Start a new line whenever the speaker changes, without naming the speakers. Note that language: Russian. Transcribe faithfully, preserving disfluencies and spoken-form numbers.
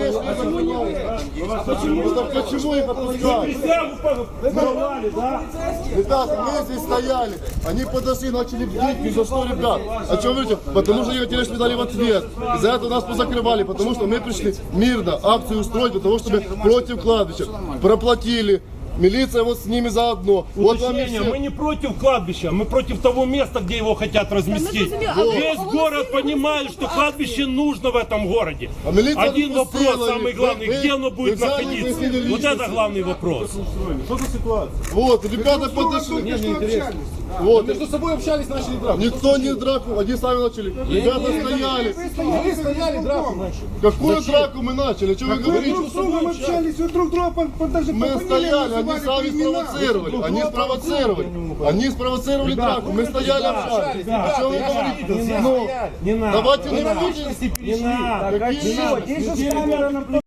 Почему? Почему их отпускают? Ребята, мы здесь стояли, они подошли, начали бить, ни за что, ребят. А что вы говорите? Потому что они тележки дали в ответ. Из-за этого нас позакрывали, потому что мы пришли мирно акцию устроить для того, чтобы против кладбища. Проплатили. Милиция вот с ними заодно. Вот вам и
Уточнение,
все.
мы не против кладбища, мы против того места, где его хотят разместить. Весь город понимает, что кладбище нужно в этом городе.
А милиция
Один
допустила
вопрос, самый
их.
главный,
Вы-
где оно
вы
будет
взяли,
находиться?
выяснили
Вот это
личности.
главный вопрос.
Что за ситуация?
Вот, ребята подошли. Вот.
Между собой общались, начали драку.
Никто не драку, они сами начали. Ребята стояли.
Вы стояли, драку начали.
Какую драку мы начали? Что вы говорите?
Друг с другом общались, вы друг друга по- по- даже
Мы
по фамилиям
стояли, они
называли,
сами
по именам.
спровоцировали. Они спровоцировали. Они спровоцировали драку. Мы стояли, общались. А что вы говорите? Ну,
Не надо.
давайте не
Не
будем.
надо.
Какие?
Есть же камера на